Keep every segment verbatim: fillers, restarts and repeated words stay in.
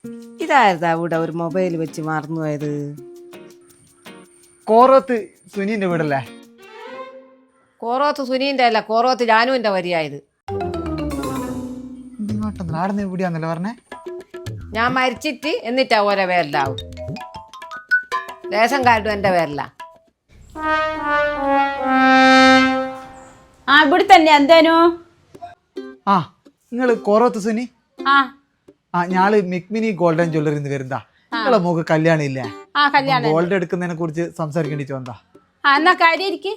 ഇതായിരുന്നാ ഇവിടെ ഒരു മൊബൈൽ വെച്ച് മറന്നുപോയത്? കോറോത്ത് സുനീന്റെ വീടല്ലേ? കോറോത്ത് സുനീന്റെ അല്ല, കോറോത്ത് ജാനുവിന്റെ വരിയായത്. നാടിന് എവിടെയാന്നല്ലോ പറഞ്ഞേ? ഞാൻ മരിച്ചിട്ട് എന്നിട്ടാ ഓരോ പേരിലാവും. റേഷൻ കാർഡും എന്റെ പേരില. ആ ഇവിടെ തന്നെ എന്തേനു? ആ നിങ്ങള് കോറോത്ത് സുനി? ആ ആ ഞാള് മിക്മിനി ഗോൾഡൻ ജ്വല്ലറിന്ന് വരുന്നതാ. നിങ്ങളെ മോക്ക് കല്യാണം ഇല്ലേ? ആ കല്യാണം ഗോൾഡ് എടുക്കുന്നതിനെ കുറിച്ച് സംസാരിക്കേണ്ടി വന്നതാ. ആ എന്നാ കാര്യം ഇരിക്ക്.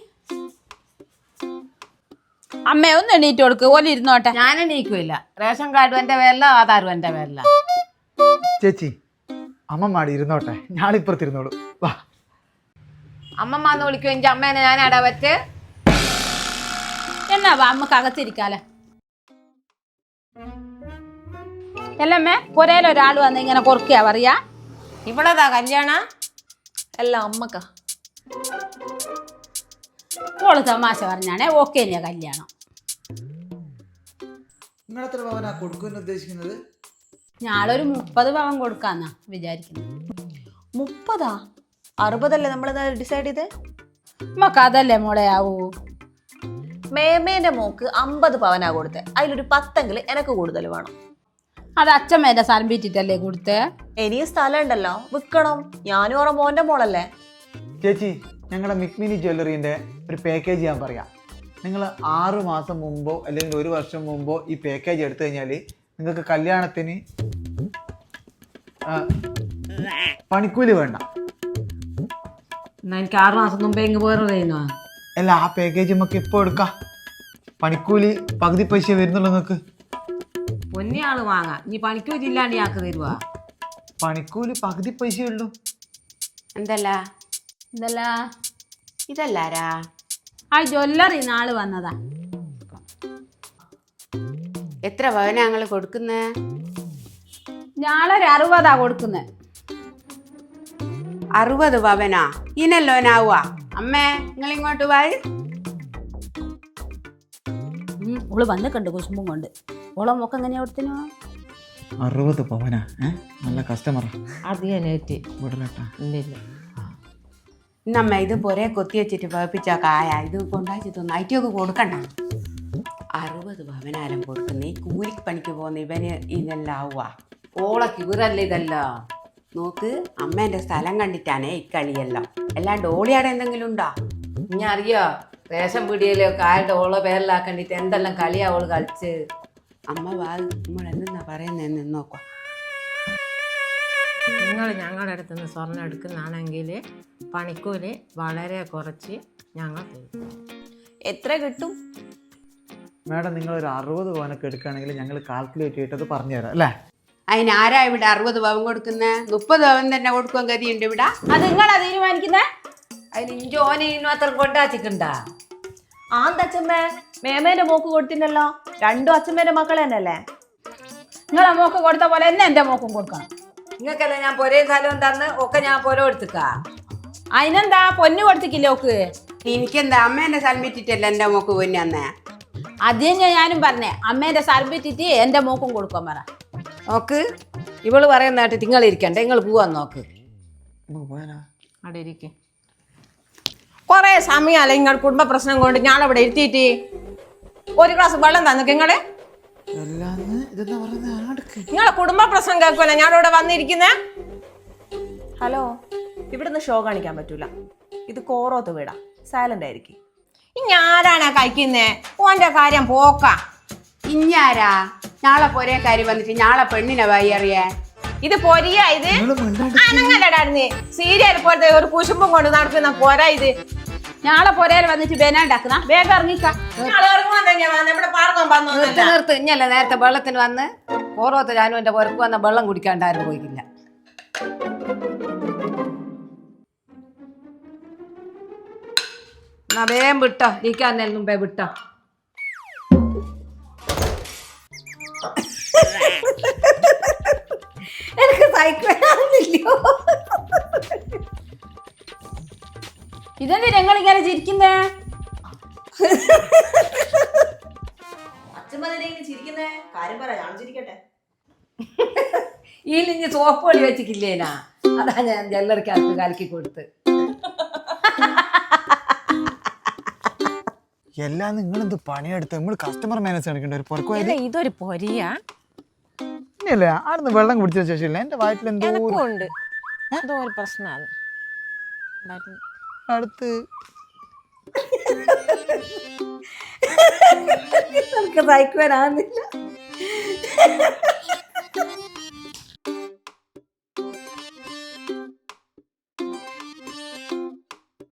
അമ്മ ഒന്ന് എണീറ്റ് കൊടുക്ക്, ഓല ഇരുന്നോട്ടെ. ഞാൻ എണീക്കില്ല. റേഷൻ കാർഡും എന്റെ പേരില, ആധാറും എന്റെ പേരില. ചേച്ചി അമ്മമാടി ഇരുന്നോട്ടെ, ഞാളിപ്പുറത്തിരുന്നോളൂ. വാ. അമ്മമ്മന്ന് വിളിക്കും എന്റെ അമ്മേനെ ഞാൻ അടാ പറ്റ്. എന്നാ വാ അമ്മക്ക് അകത്തിരിക്കാലേ. അല്ലമ്മേ പുരയിലൊരാൾ വന്ന് ഇങ്ങനെ കൊറക്കിയാ പറയാ? ഇവളതാ കല്യാണ അല്ല അമ്മക്ക. ഓള് തമാശ പറഞ്ഞാണേ ഓക്കെ തന്നെയാ കല്യാണം. നിങ്ങളെത്ര പവനാ കൊടുക്കുമെന്ന് ഉദ്ദേശിക്കുന്നത്? ഞാളൊരു മുപ്പത് പവൻ കൊടുക്കാന്നാ വിചാരിക്കുന്നത്. മുപ്പതാ? അറുപതല്ലേ നമ്മൾ ഡിസൈഡ് ചെയ്തേ? നമുക്ക് അതല്ലേ മോളെ ആവൂ. മേമേന്റെ മോക്ക് അമ്പത് പവനാ കൊടുത്തേ. അതിലൊരു പത്തെങ്കിൽ എനക്ക് കൂടുതൽ വേണം. അത് അച്ഛമ്മേന്റെ സ്ഥലം വിറ്റിട്ടല്ലേ കൊടുത്തേ? ഇനിയും സ്ഥലം ഉണ്ടല്ലോ, വിൽക്കണം. ഞാനും ഓറ മോന്റെ മോളല്ലേ. ചേച്ചി ഞങ്ങളുടെ മിക്മിനി ജ്വല്ലറിന്റെ ഒരു പാക്കേജ് ഞാൻ പറയാം. നിങ്ങൾ ആറു മാസം മുമ്പോ അല്ലെങ്കിൽ ഒരു വർഷം മുമ്പോ ഈ പാക്കേജ് എടുത്തു കഴിഞ്ഞാൽ നിങ്ങൾക്ക് കല്യാണത്തിന് പണിക്കൂലി വേണ്ട. എന്നാ എനിക്ക് ആറു മാസം മുമ്പേ ഇങ്ങ് പോയിരുന്നോ? അല്ല, ആ പാക്കേജ് നമുക്ക് ഇപ്പോൾ എടുക്കാം. പണിക്കൂലി പകുതി പൈസ വരുന്നുള്ളൂ നിങ്ങൾക്ക്. പൊന്നിയാള് വാങ്ങാം. നീ പണിക്കൂലി ഇല്ലാണ്ട് ആക്ക് തരുവാ? പണിക്കൂലി പകുതി പൈസ ഉള്ളൂ. എന്തല്ല ഇതല്ല ഇതല്ലാരാ? ആ ജ്വല്ലറി നാള് വന്നതാ. എത്ര പവനാ ഞങ്ങള് കൊടുക്കുന്നേ? ഞാളൊരു അറുപതാ കൊടുക്കുന്നേ. അറുപത് പവനാ? ഇനല്ലോനാവുക. അമ്മേ നിങ്ങൾ ഇങ്ങോട്ട് വായി. ഓള് വന്ന് കണ്ടു കുശുമ്പും കൊണ്ട്. ഓളെ മോക്ക് എങ്ങനെയാ കൊടുത്തിനോ? അറുപത് പവനാ? നല്ല കസ്റ്റമറാ. അധികനേറ്റ് വിടലട്ടാ. ഇല്ലില്ല. ഇന്നമ്മ ഇത് പൊരേ കൊത്തി വെച്ചിട്ട് പഴപ്പിച്ച കായ ഇത് കൊണ്ടാച്ചി തോന്നുന്നു. ഐറ്റൊക്കെ കൊടുക്കണ്ട. അറുപത് പവനാരം കൊടുക്കുന്ന ഈ കൂലിപ്പണിക്ക് പോകുന്ന ഇവന് ഇതെല്ലാം ആവുക. ഓളക്ക് ഇവരല്ല ഇതല്ല. നോക്ക്, അമ്മേന്റെ സ്ഥലം കണ്ടിട്ടാണേ ഇക്കളിയെല്ലാം. അല്ലാണ്ട് ഓളിയാടെ എന്തെങ്കിലും ഉണ്ടോ? ഞാൻ അറിയോ റേഷൻ പീടികയിലൊക്കെ ആരുടെ ഓളോ പേരിലാക്കണ്ടിട്ട് എന്തെല്ലാം കളിയാ ഓള് കളിച്ച്. അമ്മ വാ, നമ്മൾ എന്തെന്നാ പറയുന്നതെന്ന് നോക്കാം. നിങ്ങൾ ഞങ്ങളുടെ അടുത്ത് നിന്ന് സ്വർണ്ണം എടുക്കുന്നതാണെങ്കിൽ പണിക്കൂലി വളരെ കുറച്ച് ഞങ്ങൾ തരും. എത്ര കിട്ടും? മാഡം നിങ്ങൾ ഒരു അറുപത് പവനൊക്കെ എടുക്കുകയാണെങ്കിൽ ഞങ്ങൾ കാൽക്കുലേറ്റ് ചെയ്തിട്ട് പറഞ്ഞു തരാം അല്ലേ? അതിന് ആരാ ഇവിടെ അറുപത് പവൻ കൊടുക്കുന്നേ? മുപ്പത് പവൻ തന്നെ കൊടുക്കാൻ ഗതിയുണ്ട് ഇവിടെ. അത് നിങ്ങളാ തീരുമാനിക്കുന്നേ? അതിന് ഇഞ്ചോനെ മാത്രം കൊണ്ടാച്ചിട്ടുണ്ടാ? ആന്തച്ചമ്മേ, മേമേന്റെ മോക്ക് കൊടുത്തില്ലല്ലോ. രണ്ടും അച്ഛമ്മേന്റെ മക്കളെ തന്നെയല്ലേ? നിങ്ങളെ മോക്ക് കൊടുത്ത പോലെ തന്നെ എന്റെ മോക്കും കൊടുക്കണം. നിങ്ങൾക്കല്ല ഞാൻ പൊരേ സ്ഥലവും തന്ന് ഒക്കെ ഞാൻ പൊര എടുത്തുക്കാ. അതിനെന്താ പൊന്നു കൊടുത്തിക്കില്ല ഓക്ക്? എനിക്കെന്താ അമ്മേന്റെ സ്ഥലം വിറ്റിട്ടല്ല എന്റെ മോക്ക് പൊന്നു അന്നേ. അത് തന്നെ ഞാനും പറഞ്ഞേ, അമ്മേന്റെ സ്ഥലം വിറ്റിട്ട് എന്റെ മോക്കും കൊടുക്കാൻ പറ. നോക്ക്, ഇവള് പറയുന്ന കേട്ട് നിങ്ങൾ ഇരിക്കണ്ടേ, നിങ്ങൾ പോവാൻ നോക്ക്. അവിടെ ഇരിക്കും. കൊറേ സമയമല്ല നിങ്ങൾ കുടുംബ പ്രശ്നം കൊണ്ട് ഞാനവിടെ ഇരുത്തിയിട്ട് ഒരു ഗ്ലാസ് വെള്ളം തന്നു. നിങ്ങള് നിങ്ങളെ കുടുംബ പ്രശ്നം കേൾക്കുമല്ലോ ഞാനിവിടെ വന്നിരിക്കുന്നേ. ഹലോ, ഇവിടുന്ന് ഷോ കാണിക്കാൻ പറ്റൂല. ഇത് കോറോത്ത് വീടാ, സൈലന്റ് ആയിരിക്കും. ഇനി ആരാണ് കഴിക്കുന്നേ? ഓന്റെ കാര്യം പോക്ക. ഇഞ്ഞാരാ നാളെ പൊരേക്കാരി വന്നിട്ട് നാളെ പെണ്ണിനെ വൈ അറിയാ? ഇത് പൊരിയ ഇത് അനങ്ങല്ലടായിരുന്നേ. സീരിയൽ പോലത്തെ ഒരു കുശുമ്പും കൊണ്ട് നടക്കുന്ന പോര ഇത്. ഞാളെ പൊരയിൽ വന്നിട്ട് ബേനാണ്ടാക്കുന്ന വേഗം ഇറങ്ങിക്ക. ഞങ്ങൾ ഇറങ്ങുവാൻ തന്നെയാ ഇവിടെ പാർക്കാൻ നിർത്ത് വന്നു. നിർത്ത്. ഇഞ്ഞല്ലേ നേരത്തെ വെള്ളത്തിന് വന്ന് ഓരോരുത്തർ ഞാനും എന്റെ പുറക്ക് വന്ന വെള്ളം കുടിക്കാണ്ടാരും പോയിക്കില്ല. എന്നാ വേഗം വിട്ടോ, ഇരിക്കാൻ മുമ്പേ വിട്ടോ. എനിക്ക് സൈക്കിളില്ലയോ? ഇതെന്ത് ഞങ്ങൾ ഇങ്ങനെ ചിരിക്കുന്നേ? അച്ഛമ്മ ചിരിക്കുന്നേ? കാര്യം പറ, ഞാൻ ചിരിക്കട്ടെ. ഈ ലിഞ്ഞ് സോപ്പ് പൊടി വെച്ചിട്ടില്ലേനാ, അതാ ഞാൻ ജ്വല്ലറിക്കകത്ത് കലക്കി കൊടുത്ത്. എല്ലാം നിങ്ങൾ എന്ത് പണിയെടുത്ത് നമ്മൾ കസ്റ്റമർ മാനേജ് കാണിക്കേണ്ട ഒരു പുറക്കുവായി ഇതൊരു പൊരിയാ ഇല്ല ആടുന്ന് വെള്ളം കുടിച്ച ശേഷമില്ല എന്റെ വയറ്റിൽ എന്തോ ഒരു- ഉണ്ട് എന്തോ ഒരു പ്രശ്നമാണ് അടുത്ത് നമുക്ക് സഹിക്കുവാനാകുന്നില്ല.